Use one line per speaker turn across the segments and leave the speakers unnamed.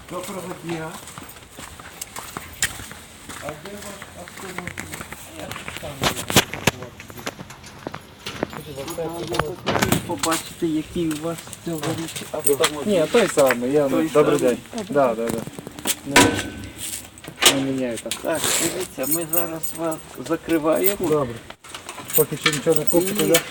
Доброго дня. А де ваш автомобіль? Я тут сам побачити, який у вас цьогоріч автомобіль.
Ні, той самий, я
Той
добрий
самий?
день. Да. Не міняю так.
Так, дивіться, ми зараз вас закриваємо
Добре. Поки що нічого не купите, так?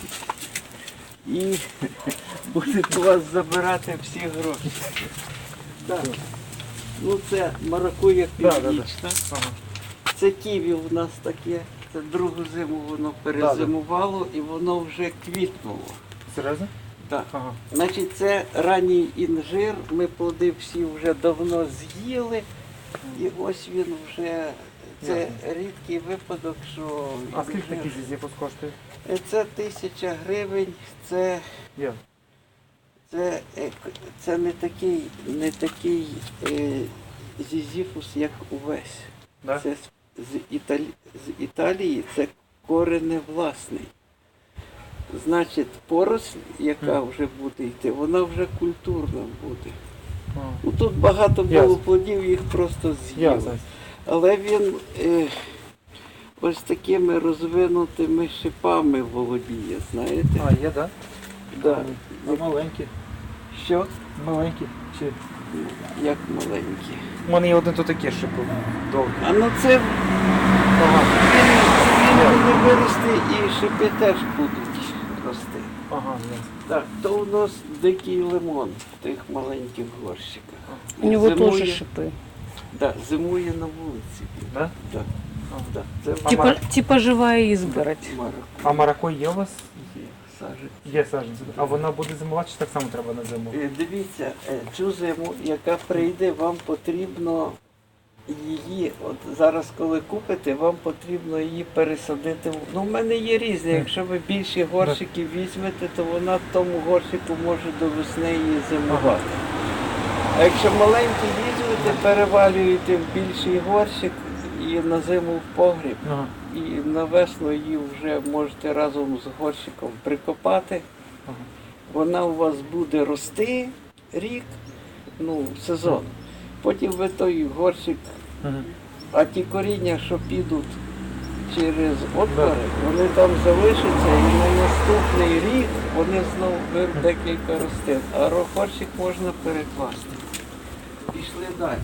і будемо вас забирати всі гроші. Так. Ну це маракуя північна.
Ага.
Це ківі у нас таке. Це другу зиму воно перезимувало і воно вже квітнуло.
Серйозно?
Так.
Ага.
Значить, це ранній інжир, ми плоди всі вже давно з'їли, і ось він вже, це рідкий випадок, що...
А скільки такий зізіпус коштує?
Це 1000 гривень, це
Є.
не такий зізіфус, як увесь.
Да?
Це з Італії, це кореневласний. Значить, поросль, яка вже буде йти, вона вже культурна буде. Ну, тут багато було
Ясно.
плодів, їх просто з'їли.
Ясно.
Але він ось такими розвинутими шипами володіє, знаєте?
А, є, так?
Да.
Маленькі.
Що?
Маленькі. Чи...
Як маленькі.
У мене є один тут такий шипу. Довгий.
А ну це
Ага.
він буде вирости і шипи теж будуть рости.
Ага, ясно.
Так, то у нас дикий лимон в тих маленьких горщиках.
У него
Зимує-
тоже шипы.
Да, зимує на вулиці.
Да?
Так,
Ага.
так. Це
Типа живая изгородь.
А маракуй є у вас?
сажі.
Є саджанці. А вона буде зимувати, чи так само треба на зиму?
Дивіться, цю зиму, яка прийде, вам потрібно її, от зараз коли купите, вам потрібно її пересадити. Ну, в мене є різні, якщо ви більші горщики візьмете, то вона в тому горщику може до весни її зимувати. А якщо маленькі візьмете, перевалюєте в більший горщик і на зиму в погріб.
Ага.
І на весну її вже можете разом з горщиком прикопати.
Ага.
Вона у вас буде рости рік, ну, сезон. Потім ви той горщик,
Ага.
а ті коріння, що підуть через отвори, вони там залишаться і на наступний рік вони знову беруть декілька рослин. А горщик можна перекласти. Пішли далі.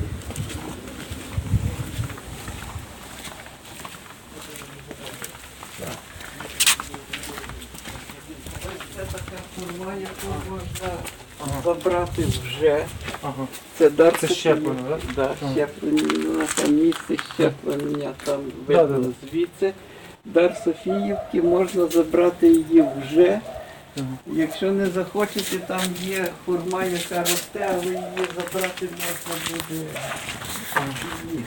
Ось це така форма, яку можна забрати вже.
Ага.
Це дар
Це щеплення, так?
Да,
Ага.
щеплення, там місце щеплення, там
Да,
видно
да.
звідси. Дар Софіївки, можна забрати її вже.
Ага.
Якщо не захочете, там є хурма, яка росте, але її забрати можна буде пізніше.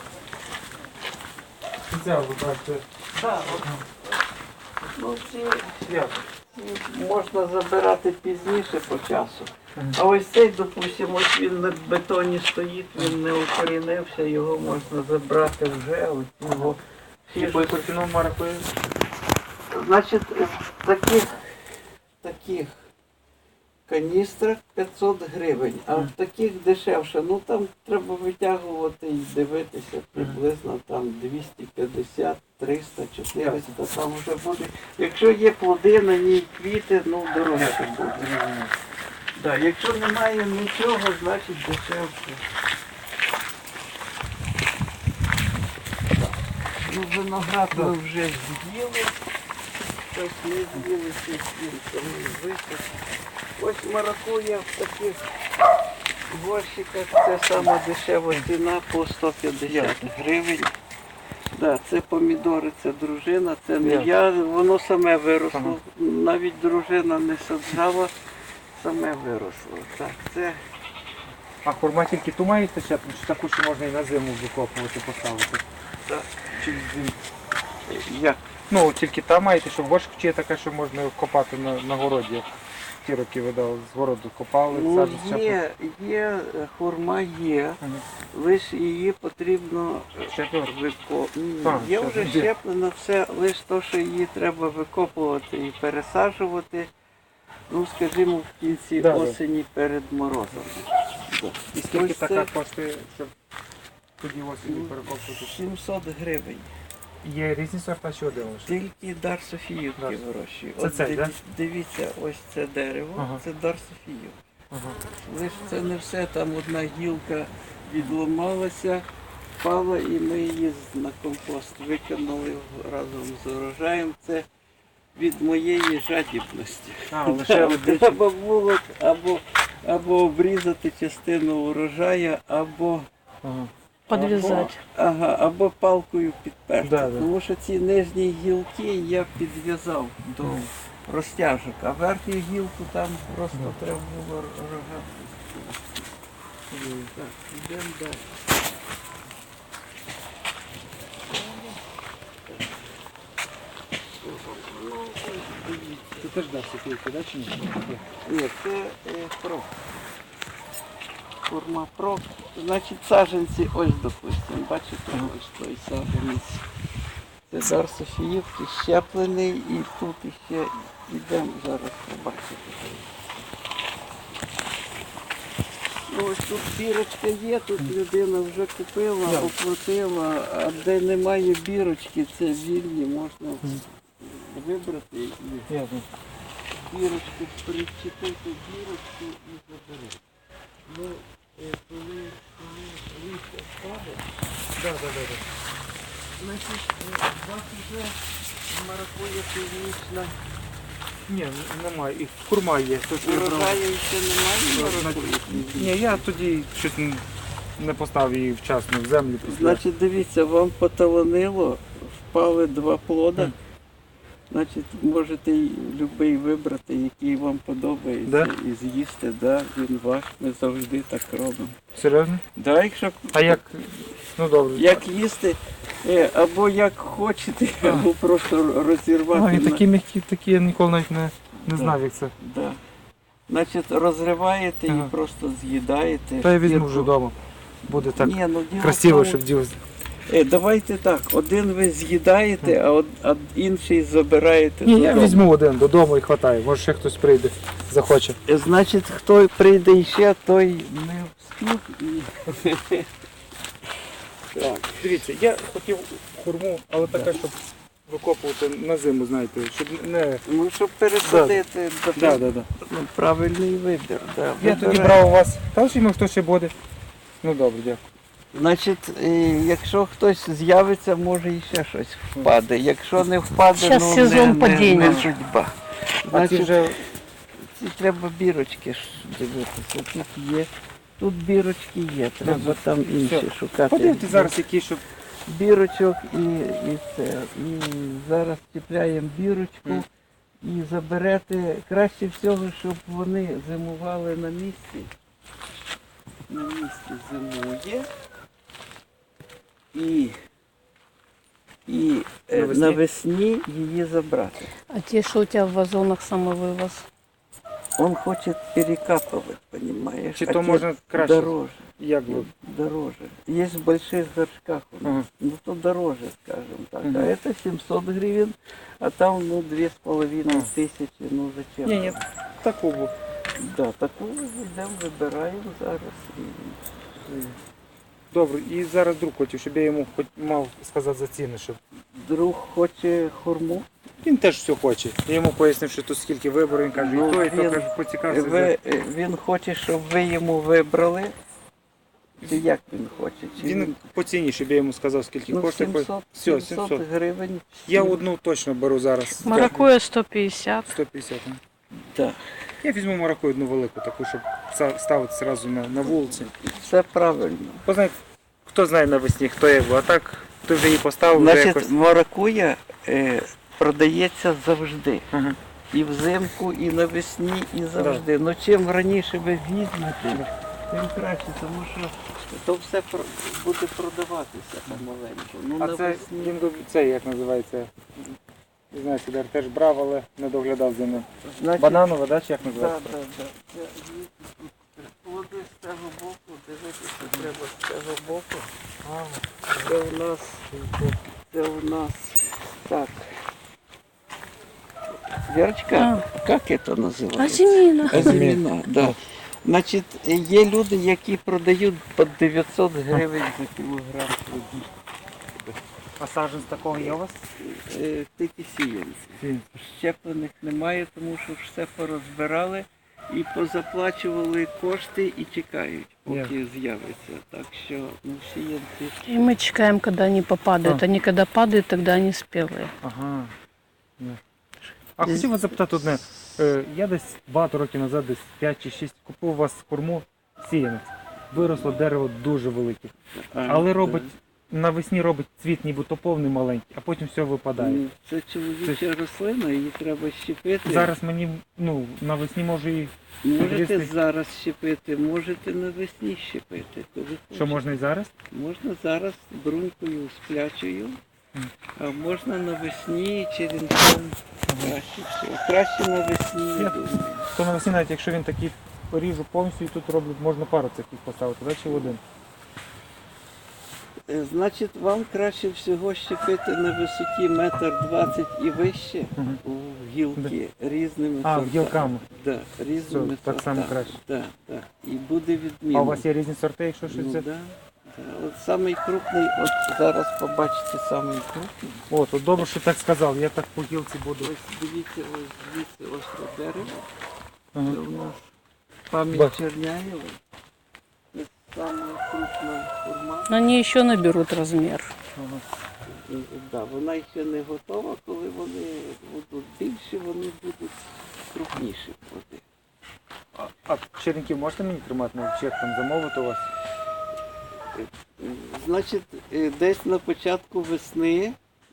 Це ви бачите.
Так, от, ну, ці
Як?
можна забирати пізніше по часу.
Ага.
А ось цей, допустимо, ось він на бетоні стоїть, він не укорінився, його можна забрати вже. Ось його
По яку ціну маракує?
Значить, в таких каністрах 500 гривень, а в таких дешевше. Ну там треба витягувати і дивитися приблизно там 250, 300, 400, там вже буде. Якщо є плоди, на ній квіти, ну дорожче буде. Да, якщо немає нічого, значить дешевше. Ну, виноград ми вже з'їли. Щось не з'їли, щось ми випили. Ось маракуя в таких горщиках, це сама дешева ціна по 150 гривень. Да, це помідори, це дружина, це не я, воно саме виросло. Навіть дружина не саджала, саме виросло. Так, це
А хурма тільки ту маєте щеплення, чи таку, що можна і на зиму викопувати, поставити?
так,
Чи зиму?
як?
Ну, тільки та маєте, що горшик, чи є така, що можна копати на городі, як ті роки видали, з городу копали,
Ну,
саджать щеплення.
є, хурма є,
Ага.
лише її потрібно
Щеплювати?
викопувати. Є вже
щеплення.
щеплено все, лише то, що її треба викопувати і пересаджувати, ну, скажімо, в кінці
Да, да.
осені перед морозом.
І скільки
Ось
така
це-
коштує, щоб тоді осінню перекопувати?
700 гривень.
Є різні сорта чи один лише?
Тільки дар Софіївки
Дар.
вирощує.
Це
От
цей, да?
Дивіться, ось це дерево,
Ага.
це дар Софіївки.
Ага.
Лише це не все, там одна гілка відламалася, впала і ми її на компост викинули разом з урожаєм. Це від моєї жадібності.
А, лише один.
Треба було або обрізати частину урожаю, або
Ага.
Подвязать.
або палкою підперти.
Да, да.
Тому що ці нижні гілки я підв'язав до розтяжок, а верхню гілку там просто треба було рогати. Так, йдемо далі. Ну, ось дивіться.
Це теж дар Софійки, да, чи ні?
Ні, це прок. Форма прок. Значить, саджанці, ось, допустимо, бачите, ось той саджанець. Це дар Софіївки, щеплений, і тут іще йдемо зараз побачити. Ну, ось тут бірочка є, тут людина вже купила,
Да.
оплатила, а де немає бірочки, це вільні, можна вибрати і
Ясно.
бірочку, причепити бірочку і заберете. Ну, коли листя впаде,
Да, да, да, да.
значить, у вас вже маракуя північна.
Ні, немає. І курма є. То, що я брав.
Урожаю ще немає маракуї?
Ні, я тоді щось не поставив її вчасно в землю. після.
Значить, дивіться, вам поталанило, впали два плода.
Мгм.
Значить, можете будь-який вибрати, який вам подобається,
Да?
і з'їсти, да, він ваш, ми завжди так робимо.
Серйозно?
Да, якщо
А як? Ну добре.
як їсти, або як хочете, або просто розірвати.
А, він
на-
такі м'які, такі я ніколи навіть не
Да.
знав, як це.
Да. Значить, розриваєте
Ага.
і просто з'їдаєте.
Та я візьму
шкірку.
вже вдома. Буде так
Ні, ну, діло
красиво,
в тому,
щоб діло.
Давайте так, один ви з'їдаєте, а інший забираєте.
Ні, я
додому.
візьму один додому і хватає. Може ще хтось прийде, захоче.
Значить, хто прийде іще, той не встиг і. Так.
Дивіться, я хотів хурму, але така, щоб викопувати на зиму, знаєте, щоб не.
Ну, щоб пересадити,
Да.
ну, правильний вибір. Да,
Я тоді
вибирайте.
брав у вас. Та чи хто ще буде? Ну добре, дякую.
Значить, якщо хтось з'явиться, може і ще щось впаде. Якщо не впаде,
Щас
ну
сезон
не
падіння.
судьба.
А ці
Значить,
вже
ці треба бірочки ж дивитися. Тут є. Тут бірочки є, треба там інші шукати.
подивіться зараз, які, щоб.
Бірочок і це. І зараз чіпляємо бірочку
Мгм.
і заберете краще всього, щоб вони зимували на місці. На місці зимує. І
Навесні?
навесні її забрати.
А те, что у тебя в вазонах самовывоз?
Он хоче перекапывать, понимаешь?
Чи
а
то
те
можна краще?
дороже.
Як ви?
Дороже. Есть в больших горшках у нас.
Ага.
Ну то дороже, скажем так.
Мгм.
А это 700 гривен, а там ну 2,5 тисячі, ну зачем?
Ні, таку був.
Да, таку йдемо, вибираємо зараз. І
Добре, і зараз друг хотів, щоб я йому хоч мав сказати за ціни, щоб.
друг хоче хурму.
Він теж все хоче. Я йому пояснив, що тут скільки виборів, він каже,
Ну,
і то, і то,
він-
каже, поцікався.
Він хоче, щоб ви йому вибрали. Чи як він хоче? Чи
Він по ціні, щоб я йому сказав, скільки
ну,
коштує.
700,
Все,
700 гривень.
Я одну точно беру зараз.
Маракуя 150.
150.
Да.
Я візьму маракую одну велику, таку, щоб ставити одразу на вулиці.
Все правильно.
Бо знає, хто знає навесні, хто як, а так ти вже її поставив, вже
Значить,
якось.
маракуя продається завжди.
Ага.
І взимку, і навесні, і завжди. Ну чим раніше ви візьмете, тим краще, тому що то все буде продаватися помаленьку. Ну,
А це,
навесні.
це як називається? Не знаю, це теж брав, але не доглядав за ним.
Значить,
Бананове, да, чи як
Так,
називається?
так, так. Плоди з цього боку, дивитися треба з цього боку. Це у нас так. Верочка, как это называется?
Азимина.
Азимина, да. Значить, є люди, які продають по 900 гривень за кілограм плодів.
А саджанець такого є у вас?
Тільки сіянці. Щеплених немає, тому що все порозбирали і позаплачували кошти і чекають, поки з'явиться. Так що сіянці.
И мы чекаем, когда они попадают. Они когда падают, тогда они спелые.
Ага. А хотів вас запитати одне. Я десь багато років назад, десь 5 чи 6, купив у вас корму сіянець. Виросло дерево дуже велике. Але робить, навесні робить цвіт нібито повний маленький, а потім все випадає.
Це чоловіча рослина, її треба щепити.
Зараз мені, навесні може і
Можете
відрізти.
зараз щепити, можете навесні щепити. Коли
Що
хочете.
можна і зараз?
Можна зараз брунькою сплячою, а можна навесні черенком. Краще всього. Краще навесні, я думаю.
То навесні, навіть якщо він такий поріжу повністю і тут роблять, можна пару таких поставити, да, чи в один?
Значить, вам краще всього щепити на висоті 1,20 м і вище у гілки різними
А,
сортами.
гілками.
Да, різними
Все, так само
сортами.
краще.
Да, да. І буде відмінно.
А у вас є різні сорти, якщо щось
Ну,
це?
да, да. От самий крупний, от зараз побачите самий крупний.
От добре, що так сказав, я так по гілці буду.
Ось дивіться, ось звідси ось це дерево.
Ага.
Це у нас пам'ять
Бачу.
Черняєва. Це сама крупна форма.
Но они еще наберут размер.
Ага.
Да, вона ще не готова, коли вони будуть більші, вони будуть крупніші.
А черенків можете мені тримати на чек, там замовити у вас?
Значить, десь на початку весни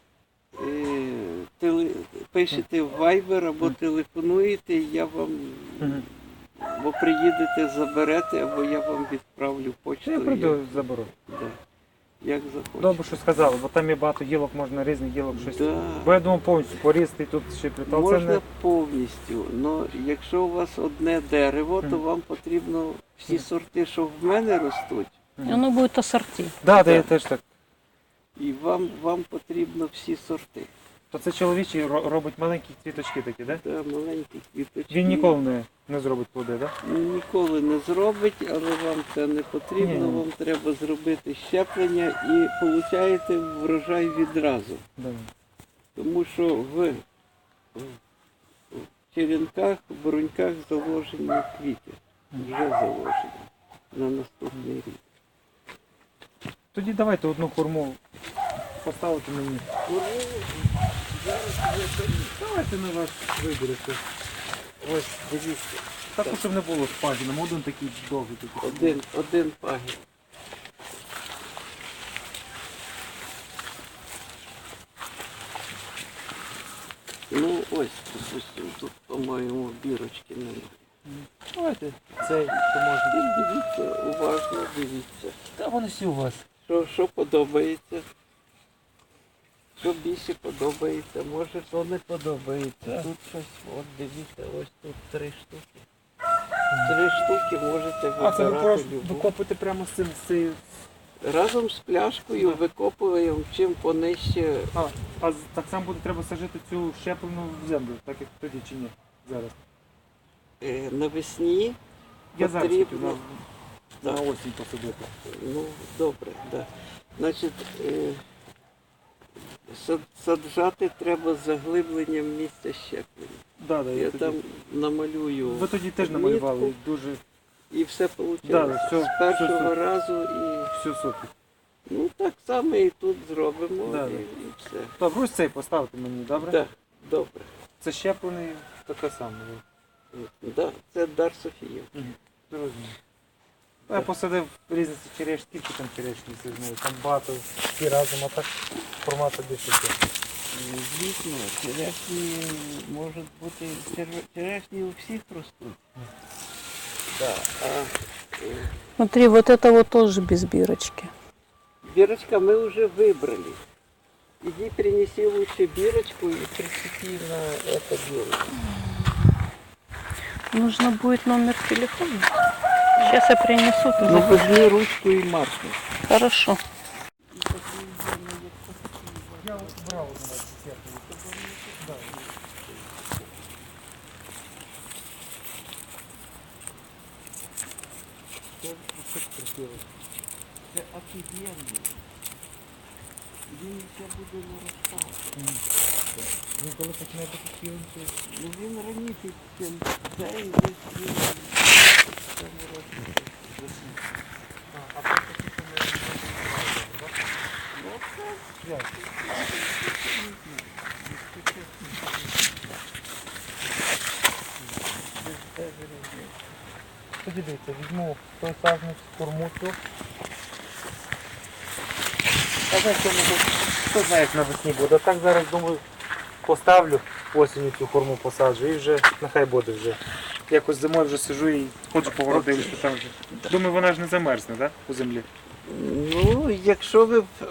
пишете в Viber або телефонуєте, я вам або приїдете, заберете, або я вам відправлю
Я
почтою.
прийду, заберу.
Да. Як захочете.
Добре, що сказали, бо там є багато гілок, можна різних гілок щось.
Да.
Бо я думав повністю порізати і тут ще плітав. Це
Можна
не...
повністю, але якщо у вас одне дерево, то вам потрібно всі сорти, що в мене ростуть,
И оно будет ассорти.
Да,
Так.
я теж так.
і вам потрібно всі сорти.
То це чоловічий робить маленькі цвіточки такі, так? Да?
Да, маленькі квіточки.
Він ніколи не зробить плоди, так? Да?
Ніколи не зробить, але вам це не потрібно,
Ні.
вам треба зробити щеплення і получаєте врожай відразу.
Да.
Тому що в черенках, в бруньках заложені квіти. Вже заложені на наступний рік.
Тоді давайте одну хурму поставити мені. Давайте на вас виберете.
Ось, дивіться.
Так, щоб не було з пагіном, один такий довгий такий.
Один пагін. Ну ось, допустимо, тут, по-моєму, бірочки немає.
Давайте цей, що можна.
Тут дивіться, уважно дивіться.
Та вони всі у вас.
Що подобається? Що більше подобається, може то не подобається. Тут щось, от дивіться, ось тут 3 штуки. 3 штуки можете
А це ви
вибирати
просто
любу.
викопуєте прямо з цим, з цією.
Разом з пляшкою викопуємо, чим понижче.
А так само буде треба сажати цю щеплену в землю, так як тоді чи ні? Зараз.
Навесні
Я зараз хотів
потрібно.
на осінь посадити.
Ну, добре, да. Значить, саджати треба з заглибленням місця щеплення.
Да, да,
Я
тоді...
там намалюю.
Ви тоді теж намалювали
мітку,
дуже
і все вийшло.
Да, все-
з першого
все супер.
разу і
все супер.
ну так само і тут зробимо
Да,
і,
да.
і все.
Добре, ось цей поставте мені, добре?
Так, добре.
Це щеплений таке саме.
Да, це дар Софія.
Зрозуміло. Я посадив різні черешні, скільки там черешні, там багато, всі разом, а так формату більше.
Звісно, черешні можуть бути, черешні у всіх ростуть. Да,
Смотри, вот это вот тоже без бирочки.
Бірочка мы уже выбрали. Иди принеси лучше бирочку и прицепи на это дело.
Нужно будет номер телефона. Сейчас я принесу. Ты
Ну
запишешь.
возьми ручку и маркер.
Хорошо.
Я брав
Це офігенний. Він ще буде наростати.
Він коли починає бути цілим, то
Ну він раніше, чим цей десь він в цьому році засів.
а потім
Ну це
як? Тоді дивіться, візьму той сажник, корму цю. А знаєте, хто знає, як навесні буде. Так зараз, думаю, поставлю осінню цю корму посаджу і вже нехай буде вже. Якось зимою вже сижу і ходжу по городу, що там вже. Думаю, вона ж не замерзне, так? У землі.
Ну, якщо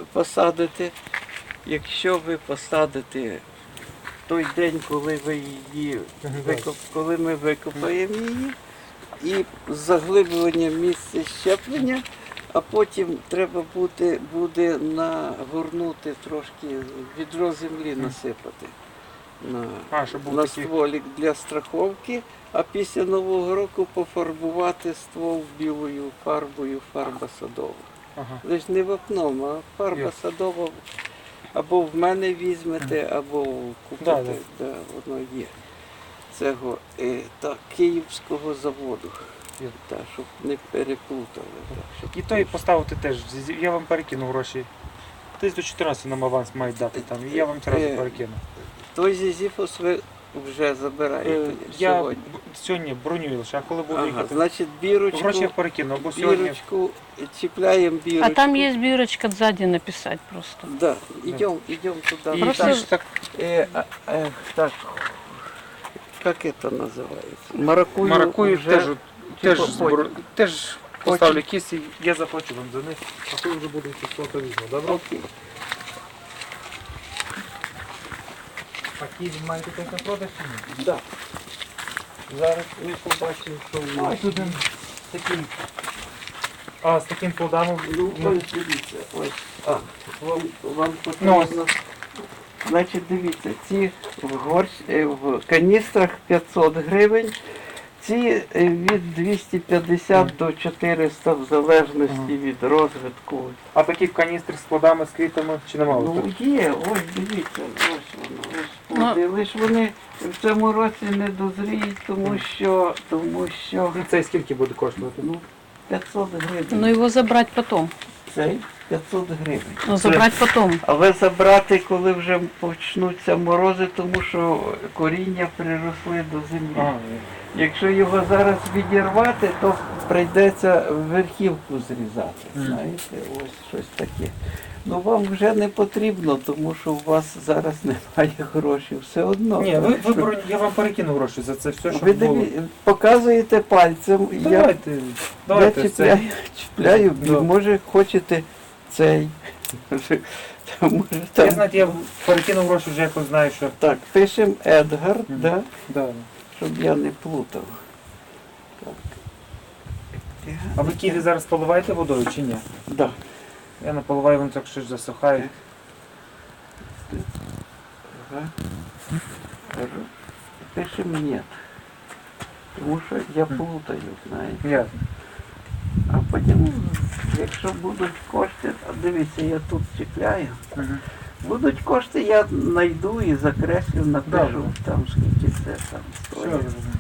ви посадите той день, коли ви її коли ми викопаємо її, і з заглиблюванням місця щеплення, а потім треба буде нагорнути трошки відро землі насипати
Щоб був
на
такий.
стволік для страховки, а після Нового року пофарбувати ствол білою фарбою, фарба садова.
Ага.
Лиш не вапном, а фарба
Ясно.
садова або в мене візьмете, або купите,
Да.
Да, воно є. Цього Київського заводу,
Є.
щоб не переплутали. Так,
І той поставити теж. Я вам перекину гроші. Десь до 14 нам аванс мають дати там. І я вам одразу перекину.
Той зізіфос ви вже забираєте
Я
сьогодні.
сьогодні бронюю лише, а коли буду
Ага,
їхати.
значить,
Гроші я перекину, або сьогодні.
бірочку, чіпляємо бірочку.
А там есть бирочка сзади написать просто.
Да, идем туда.
І
Просто-
так, так,
Так, как это называется? Маракую.
маракую
вже,
теж
типу,
теж поставлю кіс і я заплачу вам за них, а коли вже буде фото візьму, добре?
Окей.
А кіз маєте теж на продаж чи ні?
Да. Зараз ми побачимо, що в нас.
Ось тут він такий. А, з таким плодами.
Ну, ось дивіться, ось. Вам
Ну,
потрібно. Значить, дивіться, ці в каністрах 500 гривень, ці від 250 до 400 в залежності від розвитку.
А такі каністри з плодами, з квітами чи немає?
Ну є, ось дивіться, ось воно, ось плоди. Лиш вони в цьому році не дозріють, тому що
Ну, цей скільки буде коштувати?
500 гривень.
Но его забрать потом.
Цей 500 гривень.
Но забрать потом.
Але забрати, коли вже почнуться морози, тому що коріння приросли до землі.
Ага.
Якщо його зараз відірвати, то прийдеться верхівку зрізати. Знаєте, ось щось таке. Ну вам вже не потрібно, тому що у вас зараз немає грошей. Все одно.
Ні, я вам перекину гроші за це все,
Ви
щоб було.
показуєте пальцем,
Давайте,
я
давайте це.
чіпляю,
Да.
може хочете цей. Може,
Я
там.
знаєте, я перекину гроші вже якось знаю, що.
Так, пишемо Едгар, да?
Да.
Щоб я не плутав. Так.
А ви ківі зараз поливаєте водою чи ні?
Да.
Я не поливаю, вони так щось засухають.
Ага. Пишемо ні. Тому що я плутаю, знаєте.
Ясно.
А потім, якщо будуть кошти, а дивіться, я тут чіпляю.
Мгм.
Будуть кошти, я знайду і закреслю, напишу
Добре.
там скільки це там
Все,
стоїть.
розумію.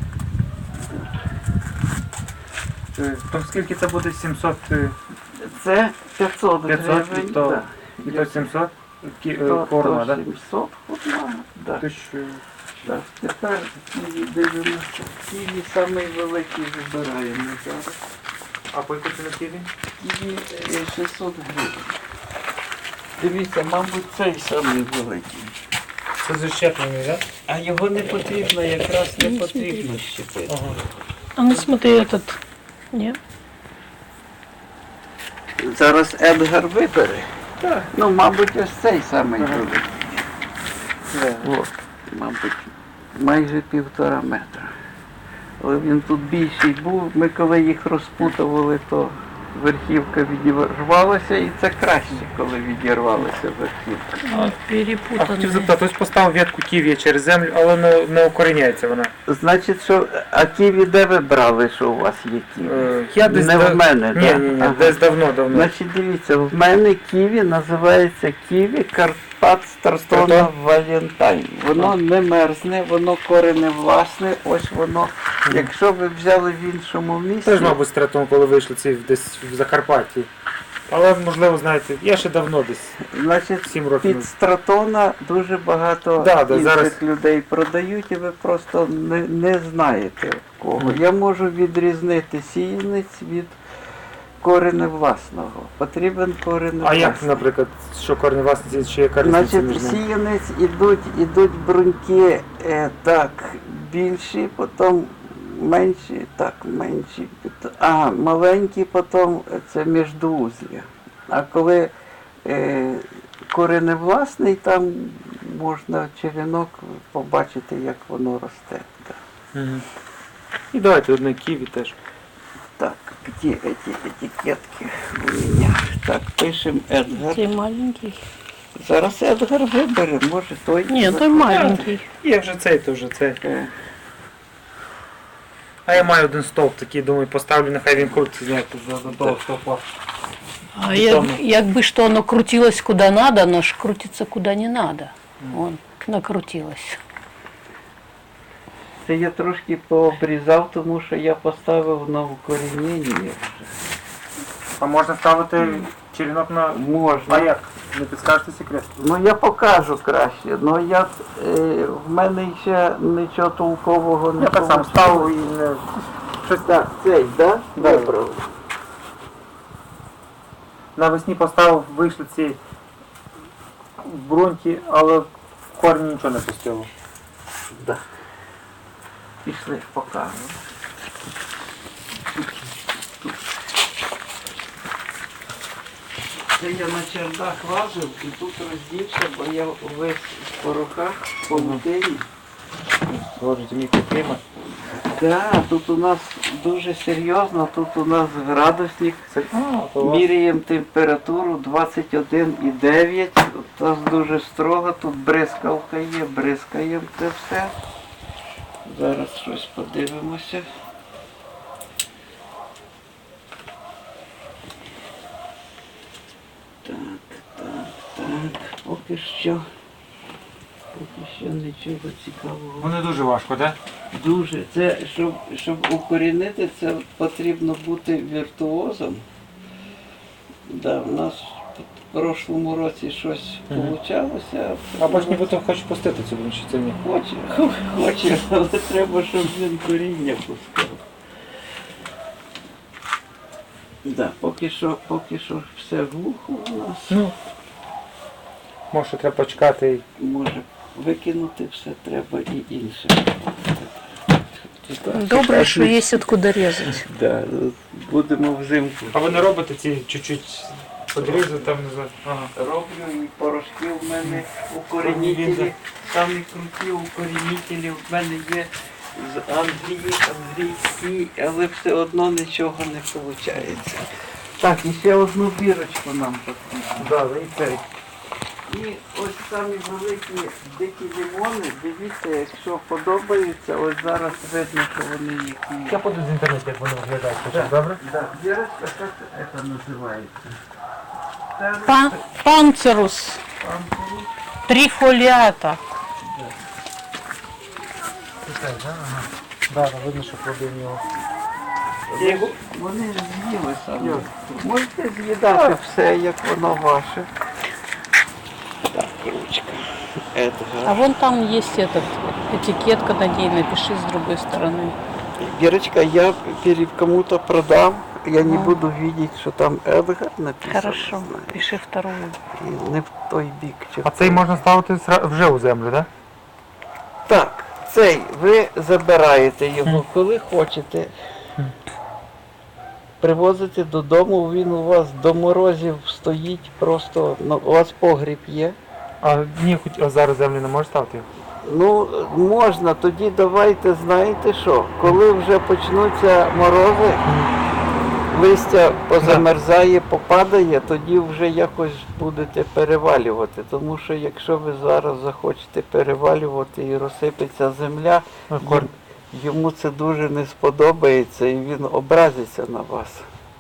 То скільки це буде 700
Це 500
500,
гривень.
то-
да.
і то 700
То
корма, так?
700 одна. Да. Так, тепер дивимося. Ківі самий великий вибираємо зараз.
А по яку ціну ківі?
Ківі 600 гривень. Дивіться, мабуть, цей самий великий.
Це защеплений, так?
А його не потрібно, якраз не потрібно щепити.
Ага.
А ну смотри этот. Нет?
Зараз Едгар вибере. Так. Ну, мабуть, ось цей самий великий. От, мабуть, майже 1,5 метра. Але він тут більший був. Ми коли їх розпутували, то верхівка відірвалася, і це краще, коли відірвалася верхівка.
Он
А хотів
перепутанный.
запитати, ось поставив ветку ків'я через землю, але не укоріняється вона.
Значить, що, а ківі де ви брали, що у вас є ківі?
Я десь
Не в мене,
ні,
да?
ні,
Ага.
десь давно.
Значить, дивіться, в мене ківі називається ківі Карпат Стратона
Стратон?
Валентайн. Воно не мерзне, воно корене власне, ось воно. Якщо ви взяли в іншому місці,
Теж, мабуть, стратом, коли вийшли ці десь в Закарпатті. Але, можливо, знаєте, я ще давно десь,
значить,
7 років.
під Стратона дуже багато
Да,
інших
зараз-
людей продають, і ви просто не знаєте кого. Я можу відрізнити сіянець від кореню власного. Потрібен корінь
А як,
власний.
наприклад, що корні власниці, чи яка різниця між
Значить,
ними?
сіянець ідуть бруньки так більші, потім менші, так менші, маленькі, потім це міждоузлі. А коли кореневласний, там можна черенок побачити, як воно росте. Так.
Мгм. І давайте одне ківі теж.
Так, где эти этикетки у меня? Так, пишем Едгар.
Ты маленький.
Зараз Едгар вибере, може той.
Нет, той маленький.
Є вже цей, то вже цей.
Е,
А я маю один стовп такий, думаю, поставлю, нехай він крутиться, знаєте, до того стовпа.
А якби что оно крутилось куда надо, оно ж крутится куда не надо. Вон, накрутилось.
Це я трошки пообрізав, тому що я поставив на укорінення вже.
А можна ставити черенок на... А
Можна.
як? Не підскажете секрет?
Ну я покажу краще. Ну я в мене ще нічого толкового не
Я так сам
получилось.
ставив і не...
Щось так, цей, да?
Да.
Вибрав.
Навесні поставив, вийшли ці бруньки, але в корні нічого не пустило.
Да. Пішли, покажу. Це я на чердак лазив і тут роздівся, бо я весь в порохах, в павутині.
Боже, мікроклімат.
Так, тут у нас дуже серйозно, тут у нас градусник.
То у вас-
Міряємо температуру 21,9. У нас дуже строго, тут бризкалка є, бризкаємо це все. Зараз щось подивимося. Так. Поки що нічого цікавого.
Вони дуже важко, так?
Дуже. Це, щоб укорінити, це потрібно бути віртуозом. Да, у нас в прошлому році щось получалося.
А бач, нібито хочеш пустити цю бруньку, чи це ні?
Хоче, але треба, щоб він коріння пускав. Да, поки що все глухо у нас.
Ну, може, треба почекати.
Може викинути все треба і інше.
Добре, що є откуда резать.
Да, будемо взимку.
А ви не робите ці чуть-чуть подрізи, там не знаю. Ага.
Роблю і порошки в мене укорінителі, самі круті укорінителі в мене є з англійські, але все одно нічого не виходить. Так, і ще одну бірочку нам потрібно.
Да, і цей.
І ось самі великі дикі лимони, дивіться, якщо подобається, ось зараз видно, що вони які.
Я буду з інтернету, як вони виглядають.
Да.
Добре?
Да, бірочка, як це називається? Це
Панцерус.
памперус.
Трифолиата.
Да, видно, що плоди в нього.
Вони з'їли самі. Можете з'їдати все, як воно ваше. Так, ручка.
А
Едгар.
вон там есть этикетка на ней, напиши с другой стороны.
Вірочка, я кому-то продам, я не буду видеть, що там Едгар написано.
Хорошо,
знаєш.
пиши вторую.
І не в той бік.
А цей можна ставити вже у землю, так?
Так, цей ви забираєте його, коли хочете. Привозите додому, він у вас до морозів стоїть просто, ну, у вас погріб є.
А ні, хоч зараз землю не можеш ставити?
Ну, можна, тоді давайте, знаєте що, коли вже почнуться морози, листя позамерзає, попадає, тоді вже якось будете перевалювати. Тому що якщо ви зараз захочете перевалювати і розсипеться земля, йому це дуже не сподобається і він образиться на вас.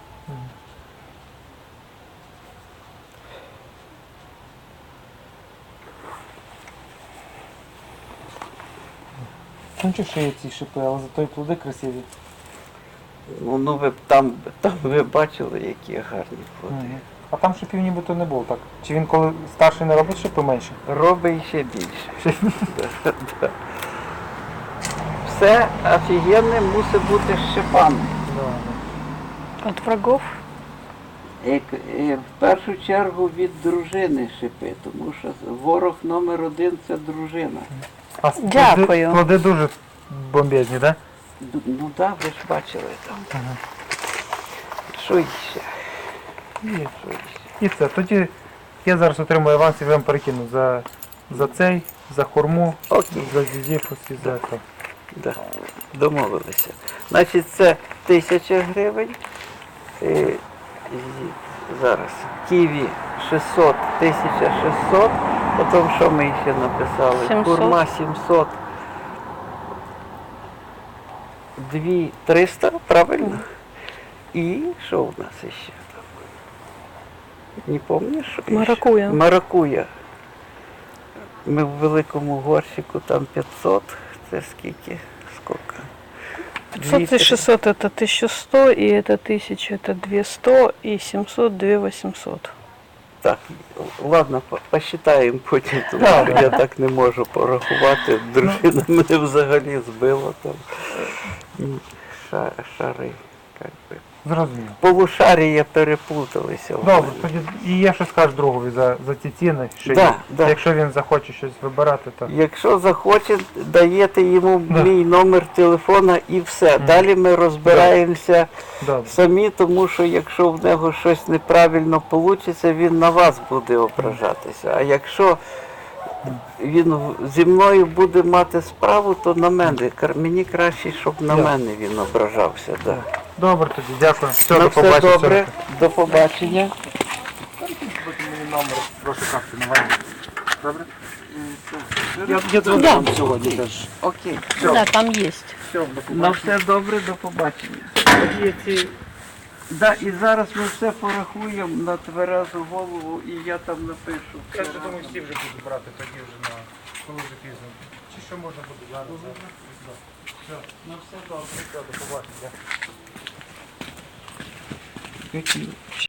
Ну чи ще є ці шипи, але зато і плоди красиві.
Ну ви там ви бачили, які гарні плоди.
А там шипів нібито не було, так? Чи він коли старший не робить шипи менше?
Робить ще більше. Да. Все офігенне мусить бути з шипами.
От врагов?
В першу чергу від дружини шипи, тому що ворог номер 1 – це дружина.
А
Дякую.
Плоди дуже бомбезні, так?
Ну так, ви ж бачили там. Що ще? Що ще?
І це. Тоді я зараз отримую аванс і вам перекину за цей, за хурму,
Окей.
за зізіпус і за це.
Да. Домовилися. Значить, це 1000 гривень. Зараз. Ківі 600, 1600. Потім що ми ще написали?
700.
Курма 700. 2300, правильно? І що у нас ще там? Не пам'ятаєш, що ще?
Маракуя.
Маракуя. Ми в великому горщику там 500. Це скільки? Скільки?
500 и 600 это 1100, и это 1000 это 200, и 700 2800.
Так, ладно, посчитаємо потім, тому що я так не можу порахувати. Дружина мене взагалі збила там. Шари, як би.
Зрозуміло.
Полушарія переплуталися. в
Добре,
мене.
тоді і я щось скажу другові за ці ціни, що
Да,
є.
да.
Якщо він захоче щось вибирати, то
Якщо захоче, даєте йому
Да.
мій номер телефона і все. Далі ми розбираємося
добре.
самі, тому що якщо в нього щось неправильно вийде, він на вас буде ображатися. А якщо він зі мною буде мати справу, то на мене. Мені краще, щоб на
Да.
мене він ображався. Да.
Добре тоді, дякую. Все,
Ну,
до
все
побачення.
добре, до побачення.
Мені номер прошу карти на вайні. Добре?
Я
Да.
сьогодні теж.
Окей,
Да, там есть.
на все добре, до побачення. Да, і зараз ми все порахуємо на тверезу голову, і я там напишу.
Я вже думаю, всі вже будуть брати тоді вже коли вже пізно. Чи що можна буде зараз? Все,
На все добре.
до побачення.
Які